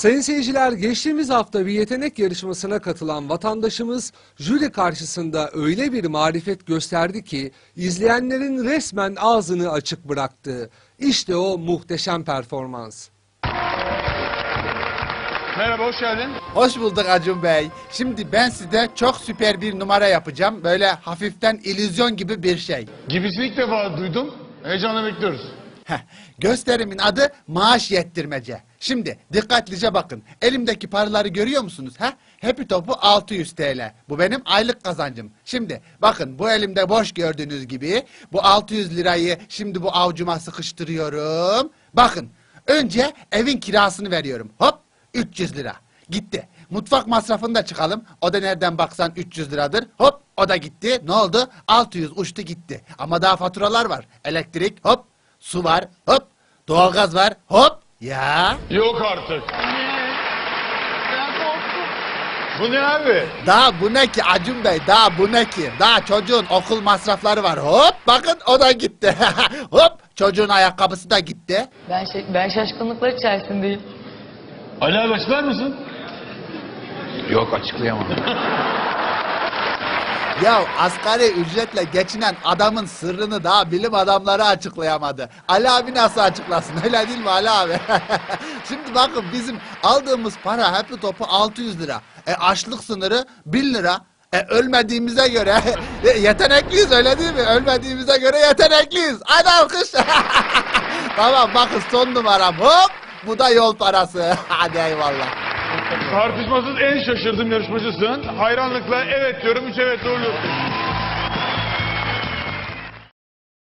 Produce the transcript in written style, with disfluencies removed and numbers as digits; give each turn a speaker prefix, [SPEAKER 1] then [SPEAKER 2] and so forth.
[SPEAKER 1] Sayın seyirciler, geçtiğimiz hafta bir yetenek yarışmasına katılan vatandaşımız jüri karşısında öyle bir marifet gösterdi ki izleyenlerin resmen ağzını açık bıraktı. İşte o muhteşem performans.
[SPEAKER 2] Merhaba, hoş geldin.
[SPEAKER 3] Hoş bulduk Acun Bey. Şimdi ben size çok süper bir numara yapacağım. Böyle hafiften illüzyon gibi bir şey.
[SPEAKER 2] Gibisini ilk defa duydum. Heyecanla bekliyoruz.
[SPEAKER 3] Gösterimin adı maaş yettirmece. Şimdi dikkatlice bakın. Elimdeki paraları görüyor musunuz? Happy Top'u 600 TL. Bu benim aylık kazancım. Şimdi bakın, bu elimde boş gördüğünüz gibi bu 600 lirayı şimdi bu avucuma sıkıştırıyorum. Bakın, önce evin kirasını veriyorum. Hop, 300 lira. Gitti. Mutfak masrafını da çıkalım. O da nereden baksan 300 liradır. Hop, o da gitti. Ne oldu? 600 uçtu gitti. Ama daha faturalar var. Elektrik, hop. Su var, hop. Doğalgaz var, hop. Ya.
[SPEAKER 2] Yok artık. Bu ne abi?
[SPEAKER 3] Daha bu ne ki Acun Bey? Daha bu ne ki? Daha çocuğun okul masrafları var. Hop, bakın o da gitti. Hop, çocuğun ayakkabısı da gitti.
[SPEAKER 4] Ben şaşkınlıklar içerisindeyim.
[SPEAKER 2] Ali abi açıklar mısın?
[SPEAKER 5] Yok, açıklayamam.
[SPEAKER 3] Ya asgari ücretle geçinen adamın sırrını daha bilim adamları açıklayamadı. Ali abi nasıl açıklasın, öyle değil mi Ali abi? Şimdi bakın, bizim aldığımız para Happy Top'u 600 lira. Açlık sınırı 1000 lira. Ölmediğimize göre yetenekliyiz, öyle değil mi? Ölmediğimize göre yetenekliyiz. Hadi alkış. Tamam, bakın son numaram, hop. Bu da yol parası. Hadi eyvallah.
[SPEAKER 2] Tartışmasız en şaşırdığım yarışmacısın. Hayranlıkla evet diyorum, 3 evet doğruluyorsun.